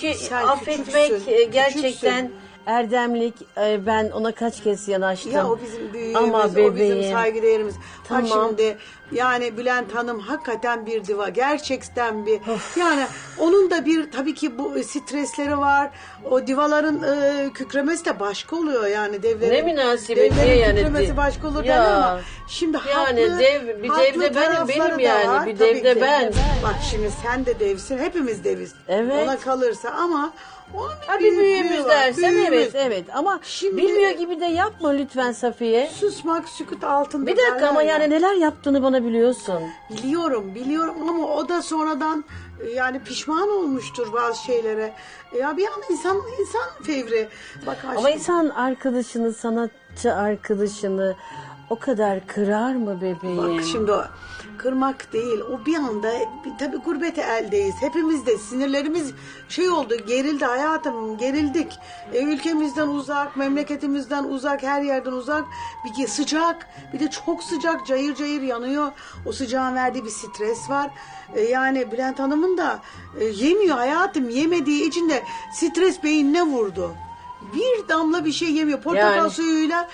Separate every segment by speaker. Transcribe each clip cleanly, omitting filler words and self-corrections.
Speaker 1: Çünkü
Speaker 2: Sen
Speaker 1: affetmek
Speaker 2: küçüksün,
Speaker 1: gerçekten
Speaker 2: küçüksün.
Speaker 1: erdemlik. Ben ona kaç kez yanaştım.
Speaker 2: Ya o bizim büyüğümüz,
Speaker 1: Ama
Speaker 2: o bizim
Speaker 1: bebeğim.
Speaker 2: saygıdeğerimiz.
Speaker 1: Tamam.
Speaker 2: Bak şimdi yani Bülent Hanım hakikaten bir diva. Gerçekten bir. Yani onun da bir tabii ki bu stresleri var. O divaların kükremesi de başka oluyor yani devlerin.
Speaker 1: Ne münasebet
Speaker 2: devlerin
Speaker 1: yani.
Speaker 2: kükremesi başka olur
Speaker 1: Ya.
Speaker 2: derler ama şimdi
Speaker 1: Yani
Speaker 2: haklı,
Speaker 1: bir
Speaker 2: haklı
Speaker 1: dev de benim
Speaker 2: tarafları da
Speaker 1: yani.
Speaker 2: var.
Speaker 1: Bir
Speaker 2: Tabii
Speaker 1: dev de
Speaker 2: ki.
Speaker 1: ben.
Speaker 2: Bak şimdi sen de devsin. Hepimiz deviz.
Speaker 1: Evet.
Speaker 2: Ona kalırsa ama onun
Speaker 1: Ha, bir
Speaker 2: büyüklüğü
Speaker 1: büyüğümüz
Speaker 2: var,
Speaker 1: dersen
Speaker 2: büyüğümüz.
Speaker 1: evet ama
Speaker 2: Şimdi-
Speaker 1: bilmiyor gibi de yapma lütfen Safiye.
Speaker 2: Susmak sükut altında.
Speaker 1: Bir dakika ama
Speaker 2: derler ya.
Speaker 1: yani neler yaptığını bana biliyorsun.
Speaker 2: Biliyorum ama o da sonradan yani pişman olmuştur bazı şeylere. Ya bir an insan fevri. Bak
Speaker 1: Ama
Speaker 2: aşkım,
Speaker 1: insan arkadaşını, sanatçı arkadaşını o kadar kırar mı bebeğim?
Speaker 2: bak şimdi o kırmak değil. O bir anda tabii gurbete eldeyiz. Hepimiz de sinirlerimiz şey oldu, gerildi hayatım, gerildik. Ülkemizden uzak, memleketimizden uzak, her yerden uzak. Bir sıcak, bir de çok sıcak, cayır cayır yanıyor. O sıcağın verdiği bir stres var. Yani Bülent Hanım'ın da yemiyor hayatım. Yemediği için de stres beynine vurdu. Bir damla bir şey yemiyor. Portakal
Speaker 1: Yani-
Speaker 2: suyuyla,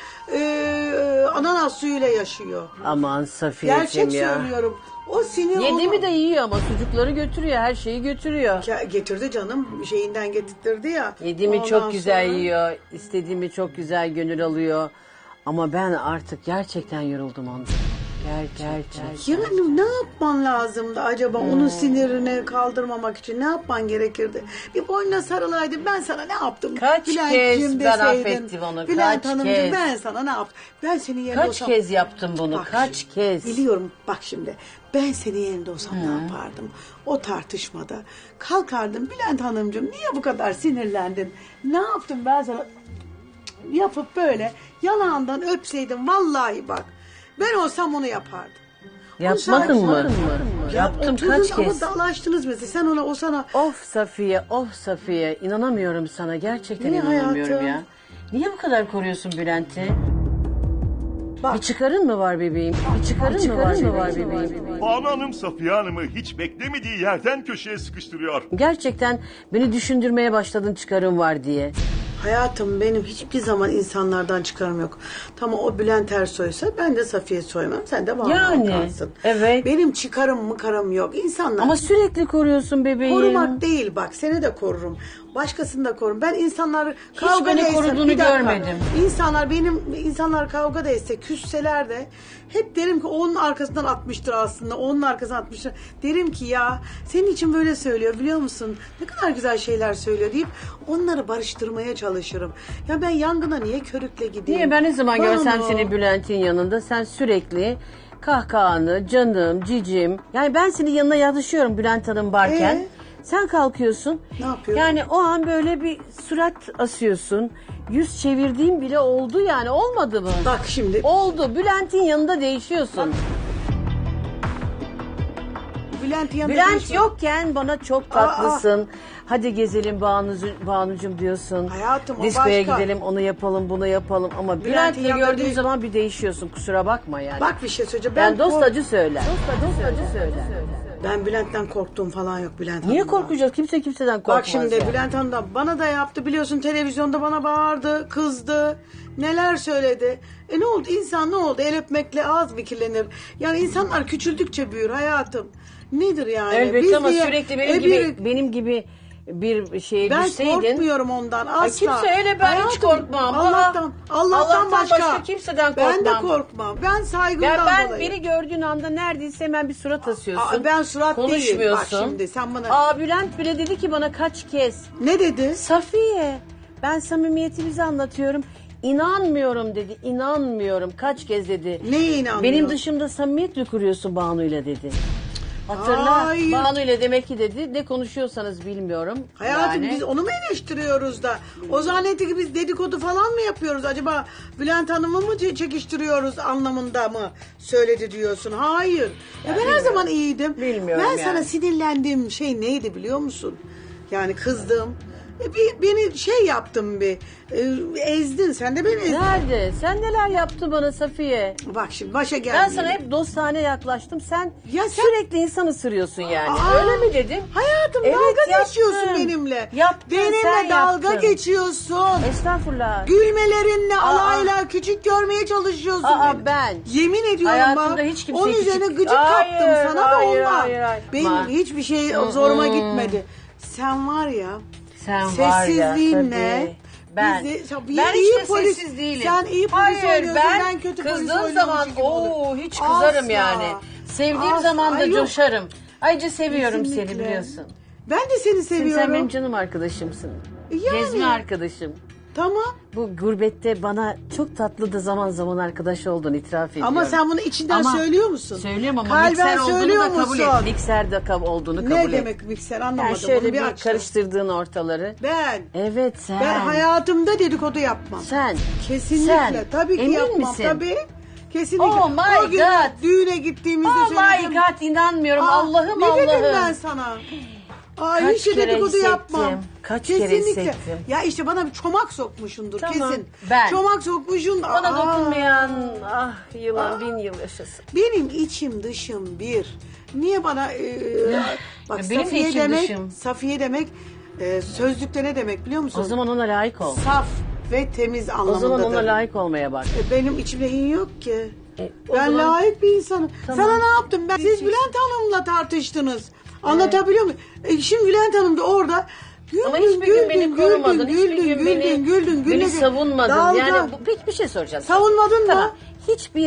Speaker 2: ananas suyuyla yaşıyor.
Speaker 1: Aman Safiyeciğim
Speaker 2: Gerçek
Speaker 1: ya.
Speaker 2: söylüyorum. O sinir
Speaker 1: Yedi
Speaker 2: onu-
Speaker 1: mi de yiyor ama sucukları götürüyor, her şeyi götürüyor.
Speaker 2: Getirdi canım, şeyinden getirtirdi ya.
Speaker 1: Yediğimi
Speaker 2: Ondan
Speaker 1: çok güzel
Speaker 2: sonra-
Speaker 1: yiyor, istediğimi çok güzel gönül alıyor. Ama ben artık gerçekten yoruldum ondan. Gerçekten.
Speaker 2: Yani ne yapman lazımdı acaba onun sinirini kaldırmamak için? Ne yapman gerekirdi? Bir boynuna sarılaydın, ben sana ne yaptım?
Speaker 1: Kaç
Speaker 2: Bülent'ciğim
Speaker 1: kez ben
Speaker 2: deseydin,
Speaker 1: affettim onu,
Speaker 2: Bülent
Speaker 1: kaç
Speaker 2: Hanımcığım
Speaker 1: kez?
Speaker 2: ben sana ne yaptım? Ben senin yerinde
Speaker 1: Kaç
Speaker 2: olsam...
Speaker 1: kez yaptım bunu,
Speaker 2: Bak
Speaker 1: kaç
Speaker 2: şimdi,
Speaker 1: kez?
Speaker 2: Biliyorum bak şimdi ben senin yerinde olsam ne yapardım? O tartışmada kalkardım, Bülent Hanımcığım niye bu kadar sinirlendin? Ne yaptım ben sana? Yapıp böyle yanağından öpseydim vallahi bak. Ben olsam onu yapardım.
Speaker 1: Yapmadın
Speaker 2: Onu
Speaker 1: mı?
Speaker 2: Ya
Speaker 1: Yaptım
Speaker 2: oturdun
Speaker 1: kaç
Speaker 2: ama
Speaker 1: kez?
Speaker 2: dalaştınız mesela. Sen ona o sana
Speaker 1: Of Safiye, of Safiye. İnanamıyorum sana. Gerçekten
Speaker 2: Niye
Speaker 1: inanamıyorum
Speaker 2: hayatım?
Speaker 1: ya. Niye bu kadar koruyorsun Bülent'i?
Speaker 2: bak
Speaker 1: Bir çıkarın mı var bebeğim? Bir çıkarın mı var bebeğim?
Speaker 3: Banu Hanım Safiye Hanım'ı hiç beklemediği yerden köşeye sıkıştırıyor.
Speaker 1: Gerçekten beni düşündürmeye başladın çıkarın var diye.
Speaker 2: hayatım benim hiçbir zaman insanlardan çıkarım yok. Tamam o Bülent Ersoy'sa ben de Safiye Soymam. Sen de Banu
Speaker 1: Yani,
Speaker 2: Alkan'sın.
Speaker 1: evet.
Speaker 2: Benim çıkarım mıkarım yok. İnsanlar
Speaker 1: Ama sürekli koruyorsun bebeğim.
Speaker 2: korumak değil bak seni de korurum. Başkasını da korurum. Ben insanlar kavga
Speaker 1: beni
Speaker 2: etse-
Speaker 1: koruduğunu
Speaker 2: bir dakika.
Speaker 1: görmedim.
Speaker 2: İnsanlar kavga da etse, küsseler de hep derim ki onun arkasından atmıştır aslında. Onun arkasından atmıştır. Derim ki ya senin için böyle söylüyor biliyor musun? Ne kadar güzel şeyler söylüyor deyip onları barıştırmaya çalışırım. Ya ben yangına niye körükle gideyim?
Speaker 1: Niye ben ne zaman görsem
Speaker 2: Banu.
Speaker 1: seni Bülent'in yanında sen sürekli kahkahanı, canım, cicim. Yani ben senin yanına yatışıyorum Bülent Hanım varken. Sen kalkıyorsun.
Speaker 2: Ne yapıyorum?
Speaker 1: Yani o an böyle bir surat asıyorsun. Yüz çevirdiğim bile oldu yani olmadı mı?
Speaker 2: Bak şimdi
Speaker 1: Oldu. Bülent'in yanında değişiyorsun.
Speaker 2: Bülent yanında
Speaker 1: Bülent
Speaker 2: değişme.
Speaker 1: yokken bana çok tatlısın. Hadi gezelim Banucuğum diyorsun.
Speaker 2: Hayatım, o
Speaker 1: Diskoya
Speaker 2: başka.
Speaker 1: gidelim onu yapalım bunu yapalım. Ama
Speaker 2: Bülent'in
Speaker 1: Bülent'le
Speaker 2: yanında
Speaker 1: gördüğün
Speaker 2: değil.
Speaker 1: zaman bir değişiyorsun. Kusura bakma yani.
Speaker 2: Bak bir şey söyleyeceğim.
Speaker 1: ben dost acı söyler.
Speaker 2: Ben Bülent'ten korktuğum falan yok Bülent
Speaker 1: Niye
Speaker 2: Hanım'dan.
Speaker 1: korkacağız? Kimse kimseden korkmaz.
Speaker 2: Bak şimdi
Speaker 1: yani.
Speaker 2: Bülent Hanım'dan bana da yaptı biliyorsun televizyonda bana bağırdı, kızdı. Neler söyledi. Ne oldu? İnsan ne oldu? El öpmekle ağız mı kirlenir? Yani insanlar küçüldükçe büyür hayatım. Nedir yani?
Speaker 1: Elbette
Speaker 2: Biz
Speaker 1: ama
Speaker 2: niye-
Speaker 1: sürekli
Speaker 2: bir-
Speaker 1: benim gibi bir şeye
Speaker 2: ben
Speaker 1: düşseydin.
Speaker 2: korkmuyorum ondan asla.
Speaker 1: kimse öyle, ben hiç
Speaker 2: Hayatım,
Speaker 1: korkmam.
Speaker 2: Allah'tan, Allah'tan başka.
Speaker 1: kimseden
Speaker 2: Ben de
Speaker 1: korkmam.
Speaker 2: korkmam. Ben saygımdan
Speaker 1: Ya ben
Speaker 2: dolayı.
Speaker 1: beni gördüğün anda neredeyse hemen bir surat asıyorsun.
Speaker 2: Aa, ben surat değilim.
Speaker 1: Konuşmuyorsun.
Speaker 2: Bak şimdi sen bana...
Speaker 1: Aa Bülent bile dedi ki bana kaç kez.
Speaker 2: Ne dedi?
Speaker 1: Safiye ben samimiyetimizi anlatıyorum. İnanmıyorum dedi. İnanmıyorum. Kaç kez dedi.
Speaker 2: Neye inanmıyor?
Speaker 1: Benim dışımda samimiyet mi kuruyorsun Banu'yla dedi. Hatırla.
Speaker 2: Hayır.
Speaker 1: Banu'yla demek ki dedi. Ne konuşuyorsanız bilmiyorum.
Speaker 2: Hayatım
Speaker 1: Yani.
Speaker 2: biz onu mu eleştiriyoruz da? O zannetti ki biz dedikodu falan mı yapıyoruz? Acaba Bülent Hanım'ı mı çekiştiriyoruz anlamında mı söyledi diyorsun? Hayır. Ya ben her zaman iyiydim.
Speaker 1: Bilmiyorum
Speaker 2: Ben
Speaker 1: yani.
Speaker 2: sana sinirlendiğim şey neydi biliyor musun? Yani kızdım. Beni şey yaptın ezdin. Sen de beni ezdin.
Speaker 1: Nerede? Sen neler yaptın bana Safiye?
Speaker 2: Bak şimdi başa geldi.
Speaker 1: Ben sana hep dostane yaklaştım. Sen,
Speaker 2: Ya sen-
Speaker 1: sürekli insan ısırıyorsun yani.
Speaker 2: Aa,
Speaker 1: Öyle mi dedim?
Speaker 2: Hayatım
Speaker 1: Evet,
Speaker 2: dalga
Speaker 1: yaptın.
Speaker 2: geçiyorsun benimle.
Speaker 1: Yaptın,
Speaker 2: Benimle
Speaker 1: sen
Speaker 2: dalga
Speaker 1: yaptın.
Speaker 2: geçiyorsun.
Speaker 1: Estağfurullah.
Speaker 2: Gülmelerinle alayla küçük görmeye çalışıyorsun beni.
Speaker 1: Ben.
Speaker 2: Yemin ediyorum
Speaker 1: Hayatımda
Speaker 2: bak.
Speaker 1: hiç kimseyi
Speaker 2: Onun üzerine
Speaker 1: küçük-
Speaker 2: gıcık
Speaker 1: Hayır,
Speaker 2: kaptım sana
Speaker 1: hayır,
Speaker 2: da ondan.
Speaker 1: hayır.
Speaker 2: Benim
Speaker 1: Ma-
Speaker 2: hiçbir şey zoruma gitmedi. Sen var ya.
Speaker 1: Sen var ya
Speaker 2: Sessizliğinle.
Speaker 1: tabii. Ben
Speaker 2: Ben
Speaker 1: hiç de sessiz değilim.
Speaker 2: Sen iyi polis
Speaker 1: Hayır,
Speaker 2: oynuyorsun. Ben kötü polis
Speaker 1: kızdığım
Speaker 2: oynuyormuş
Speaker 1: zaman
Speaker 2: gibi olurum.
Speaker 1: hiç kızarım
Speaker 2: Asla.
Speaker 1: yani. Sevdiğim
Speaker 2: Asla.
Speaker 1: zaman da
Speaker 2: Ay, yok.
Speaker 1: coşarım. Ayrıca seviyorum seni
Speaker 2: Kesinlikle.
Speaker 1: biliyorsun.
Speaker 2: Ben de seni seviyorum.
Speaker 1: Sen benim canım arkadaşımsın.
Speaker 2: Yani.
Speaker 1: Gezme arkadaşım.
Speaker 2: Tamam.
Speaker 1: Bu gurbette bana çok tatlı da zaman zaman arkadaş oldun, itiraf ediyorum.
Speaker 2: Ama sen bunu içinden
Speaker 1: Ama-
Speaker 2: söylüyor musun?
Speaker 1: Söylüyorum ama
Speaker 2: Kalben
Speaker 1: mikser olduğunu
Speaker 2: söylüyor
Speaker 1: da kabul
Speaker 2: musun?
Speaker 1: et. Mikser de olduğunu kabul et.
Speaker 2: Ne demek mikser anlamadım.
Speaker 1: Yani şöyle
Speaker 2: Onu
Speaker 1: bir
Speaker 2: açtım.
Speaker 1: karıştırdığın ortaları.
Speaker 2: Ben.
Speaker 1: Evet sen.
Speaker 2: Ben hayatımda dedikodu yapmam.
Speaker 1: Sen.
Speaker 2: Kesinlikle.
Speaker 1: Sen.
Speaker 2: Tabii ki
Speaker 1: Emin
Speaker 2: yapmam.
Speaker 1: misin?
Speaker 2: Tabii. Kesinlikle.
Speaker 1: Oh my
Speaker 2: O gün
Speaker 1: God.
Speaker 2: düğüne gittiğimizde
Speaker 1: Oh
Speaker 2: söyledim.
Speaker 1: my God inanmıyorum. Allah'ım
Speaker 2: ne
Speaker 1: Allah'ım.
Speaker 2: dedim ben sana?
Speaker 1: Kaç
Speaker 2: Hiç de
Speaker 1: kere
Speaker 2: dedikodu
Speaker 1: hissettim.
Speaker 2: yapmam.
Speaker 1: Kaç kere
Speaker 2: Kesinlikle.
Speaker 1: hissettim.
Speaker 2: Ya işte bana bir çomak sokmuşundur
Speaker 1: Tamam.
Speaker 2: kesin.
Speaker 1: Ben.
Speaker 2: Çomak sokmuşsun.
Speaker 1: Bana dokunmayan yılan bin yıl yaşasın.
Speaker 2: Benim içim dışım bir. Niye bana bak
Speaker 1: Ya benim de
Speaker 2: Safiye
Speaker 1: içim
Speaker 2: demek,
Speaker 1: dışım.
Speaker 2: Safiye demek sözlükte ne demek biliyor musun?
Speaker 1: O zaman ona layık ol.
Speaker 2: Saf ve temiz
Speaker 1: O
Speaker 2: anlamındadır.
Speaker 1: zaman ona layık olmaya bak.
Speaker 2: Benim içimde hin yok ki.
Speaker 1: O
Speaker 2: Ben
Speaker 1: zaman-
Speaker 2: layık bir insanım.
Speaker 1: Tamam.
Speaker 2: Sana ne yaptım ben? Siz Bülent Hanım'la tartıştınız. Anlatabiliyor muyum? Şimdi Bülent Hanım da orada
Speaker 1: Ama hiçbir gün beni korumadın. Hiçbir gün beni
Speaker 2: güldün.
Speaker 1: savunmadın.
Speaker 2: Dalga.
Speaker 1: Yani peki bir şey soracağım. sana.
Speaker 2: Savunmadın
Speaker 1: Tamam.
Speaker 2: mı?
Speaker 1: Hiçbir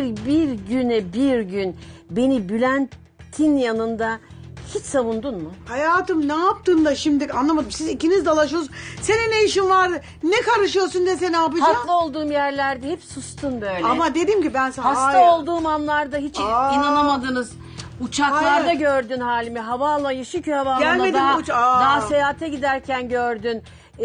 Speaker 1: bir gün beni Bülent'in yanında hiç savundun mu?
Speaker 2: Hayatım ne yaptın da şimdi anlamadım. Siz ikiniz dalaşıyorsunuz. Senin ne işin var? Ne karışıyorsun dese ne yapacağım?
Speaker 1: Haklı olduğum yerlerde hep sustun böyle.
Speaker 2: Ama dedim ki ben sana
Speaker 1: Hasta
Speaker 2: hayır.
Speaker 1: olduğum anlarda hiç
Speaker 2: Aa.
Speaker 1: inanamadınız. Uçaklarda
Speaker 2: Hayır.
Speaker 1: gördün halimi. Havaalanı, Şükrü Havaalanı'na
Speaker 2: Gelmedim
Speaker 1: daha seyahate giderken gördün.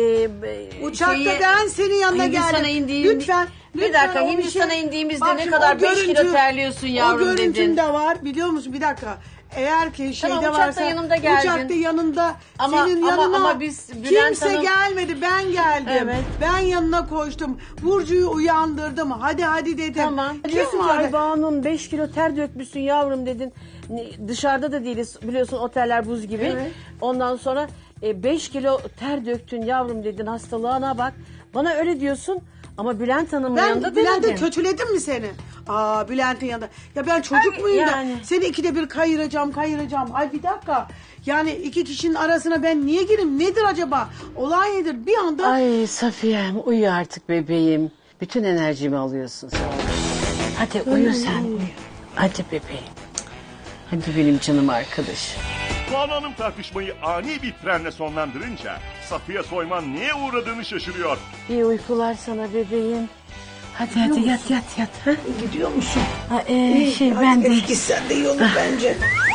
Speaker 2: Uçakta ben senin yanına
Speaker 1: Hindistan'a
Speaker 2: geldim.
Speaker 1: indiğim-
Speaker 2: Lütfen.
Speaker 1: Bir dakika
Speaker 2: o bir
Speaker 1: Hindistan'a
Speaker 2: şey-
Speaker 1: indiğimizde
Speaker 2: Bak
Speaker 1: ne
Speaker 2: şimdi
Speaker 1: kadar
Speaker 2: o
Speaker 1: 5 kilo
Speaker 2: görüntü-
Speaker 1: terliyorsun yavrum
Speaker 2: O görüntüm
Speaker 1: dedin.
Speaker 2: de var biliyor musun? Bir dakika. Eğer ki şeyde
Speaker 1: Tamam, uçakta
Speaker 2: varsa
Speaker 1: yanımda geldin.
Speaker 2: uçakta yanında
Speaker 1: Ama-
Speaker 2: senin
Speaker 1: ama-
Speaker 2: yanına
Speaker 1: ama biz Bülent
Speaker 2: kimse
Speaker 1: Hanım-
Speaker 2: gelmedi ben geldim.
Speaker 1: Evet.
Speaker 2: Ben yanına koştum. Burcu'yu uyandırdım. Hadi dedim.
Speaker 1: Tamam.
Speaker 2: Kim
Speaker 1: Diyorsun ki
Speaker 2: vardı?
Speaker 1: ay Banu'm 5 kilo ter dökmüşsün yavrum dedin. Dışarıda da değiliz biliyorsun oteller buz gibi.
Speaker 2: Evet.
Speaker 1: Ondan sonra 5 kilo ter döktün yavrum dedin hastalığına bak. Bana öyle diyorsun ama Bülent Hanım'ın yanında
Speaker 2: Ben Bülent'e
Speaker 1: demedin.
Speaker 2: kötüledim mi seni? Bülent'in yanında. Ya ben çocuk muyum
Speaker 1: yani.
Speaker 2: da seni ikide bir kayıracağım. Ay bir dakika. Yani iki kişinin arasına ben niye gireyim? Nedir acaba? Olay nedir? Bir anda
Speaker 1: Ay Safiye'm uyu artık bebeğim. Bütün enerjimi alıyorsun sen. Hadi uyu sen uyu. Hadi bebeğim. Hadi benim canım arkadaşım.
Speaker 3: Banu Hanım tartışmayı ani bir frenle sonlandırınca Safiye Soyman neye uğradığını şaşırıyor.
Speaker 1: İyi uykular sana bebeğim. Hadi yat. Ha?
Speaker 2: gidiyor musun?
Speaker 1: Ben de
Speaker 2: Gitsen de iyi olur bence.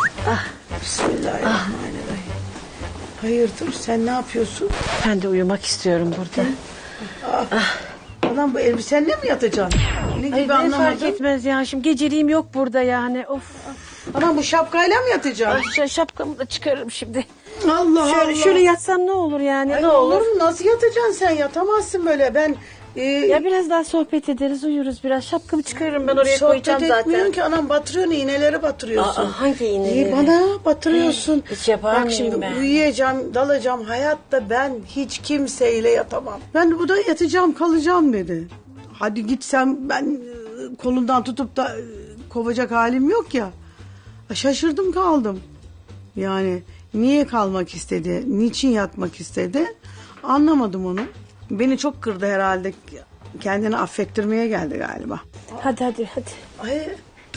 Speaker 2: Bismillahirrahmanirrahim. Hayırdır sen ne yapıyorsun?
Speaker 1: ben de uyumak istiyorum burada.
Speaker 2: Anam bu elbisenle mi yatacaksın? Ne gibi
Speaker 1: Ay, ne fark
Speaker 2: anlamadım.
Speaker 1: etmez ya şimdi geceliğim yok burada yani. Of.
Speaker 2: Anam bu şapkayla mı yatacaksın?
Speaker 1: Şapkamı da çıkarırım şimdi.
Speaker 2: Allah
Speaker 1: Şöyle yatsam ne olur yani
Speaker 2: Ay,
Speaker 1: ne
Speaker 2: olur
Speaker 1: olur.
Speaker 2: mu? Nasıl yatacaksın sen? Yatamazsın böyle. Ben
Speaker 1: Ya biraz daha sohbet ederiz uyuruz biraz. Şapkamı çıkarırım ben oraya
Speaker 2: sohbet
Speaker 1: koyacağım
Speaker 2: etmiyorum
Speaker 1: zaten.
Speaker 2: ki anam batırıyorsun iğneleri batırıyorsun.
Speaker 1: Hangi iğneleri?
Speaker 2: Bana batırıyorsun.
Speaker 1: Hiç yapar
Speaker 2: Bak
Speaker 1: mıyım
Speaker 2: şimdi
Speaker 1: ben?
Speaker 2: uyuyacağım, dalacağım. Hayatta ben hiç kimseyle yatamam. Ben burada yatacağım, kalacağım dedi. Hadi gitsem ben kolundan tutup da kovacak halim yok ya. Şaşırdım kaldım. Yani niye kalmak istedi, niçin yatmak istedi anlamadım onu. Beni çok kırdı herhalde. Kendini affettirmeye geldi galiba.
Speaker 1: Hadi.
Speaker 2: Ay.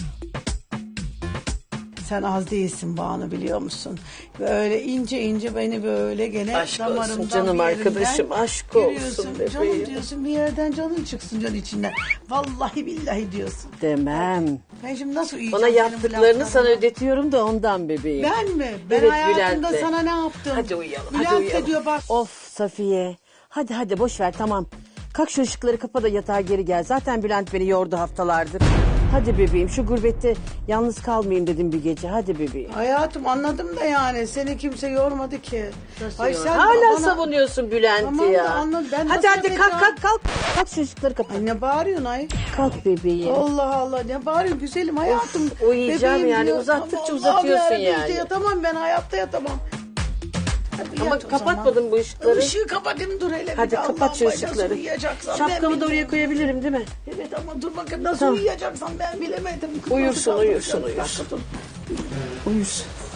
Speaker 2: Sen az değilsin Banu biliyor musun? Böyle ince beni böyle gene
Speaker 1: Aşk olsun
Speaker 2: damarımdan
Speaker 1: canım
Speaker 2: bir yerimden
Speaker 1: arkadaşım, aşk
Speaker 2: giriyorsun.
Speaker 1: olsun bebeğim.
Speaker 2: Canım diyorsun bir yerden canın çıksın can içinden. Vallahi billahi diyorsun.
Speaker 1: Demem.
Speaker 2: Ben şimdi nasıl uyuyacağım?
Speaker 1: Bana
Speaker 2: senin bu
Speaker 1: yaptıklarını sana
Speaker 2: laflarına?
Speaker 1: ödetiyorum da ondan bebeğim.
Speaker 2: Ben mi? Ben
Speaker 1: Evet,
Speaker 2: hayatımda
Speaker 1: Bülent'le.
Speaker 2: sana ne yaptım?
Speaker 1: Hadi uyuyalım.
Speaker 2: Bülent de diyor bak.
Speaker 1: Of Safiye. Hadi boş ver tamam. Kalk şu ışıkları kapa da yatağa geri gel. Zaten Bülent beni yordu haftalardır. Hadi bebeğim, şu gurbette yalnız kalmayayım dedim bir gece. Hadi bebeğim.
Speaker 2: Hayatım anladım da yani seni kimse yormadı ki.
Speaker 1: Hala savunuyorsun Bülent'i
Speaker 2: Tamam
Speaker 1: ya.
Speaker 2: da anladım. Ben
Speaker 1: hadi
Speaker 2: nasıl
Speaker 1: hadi kalk
Speaker 2: yapacağım?
Speaker 1: kalk. Kalk çocukları kapat.
Speaker 2: Ay ne bağırıyorsun ay?
Speaker 1: Kalk bebeğim.
Speaker 2: Allah Allah ne bağırıyorsun güzelim hayatım.
Speaker 1: uyuyacağım
Speaker 2: Bebeğim
Speaker 1: yani,
Speaker 2: diyor.
Speaker 1: uzattıkça
Speaker 2: Allah'ım
Speaker 1: uzatıyorsun
Speaker 2: yarabbim,
Speaker 1: yani.
Speaker 2: işte yatamam ben hayatta yatamam. Hadi
Speaker 1: Ama
Speaker 2: yat o zaman.
Speaker 1: kapatmadın bu ışıkları.
Speaker 2: Işığı kapatayım dur hele.
Speaker 1: Hadi
Speaker 2: bir de
Speaker 1: kapat
Speaker 2: Allah'ım
Speaker 1: şu
Speaker 2: bacası
Speaker 1: ışıkları.
Speaker 2: uyuyacaksam
Speaker 1: Şapkamı
Speaker 2: ben
Speaker 1: da oraya
Speaker 2: bilmiyorum.
Speaker 1: koyabilirim değil mi?
Speaker 2: Evet ama dur bakayım nasıl
Speaker 1: Tamam.
Speaker 2: uyuyacaksam ben bilemedim.
Speaker 1: Uyursun,
Speaker 2: Nasıl
Speaker 1: uyursun,
Speaker 2: kaldıracağım?
Speaker 1: uyursun.
Speaker 2: Bir dakika dur.
Speaker 1: Uyursun.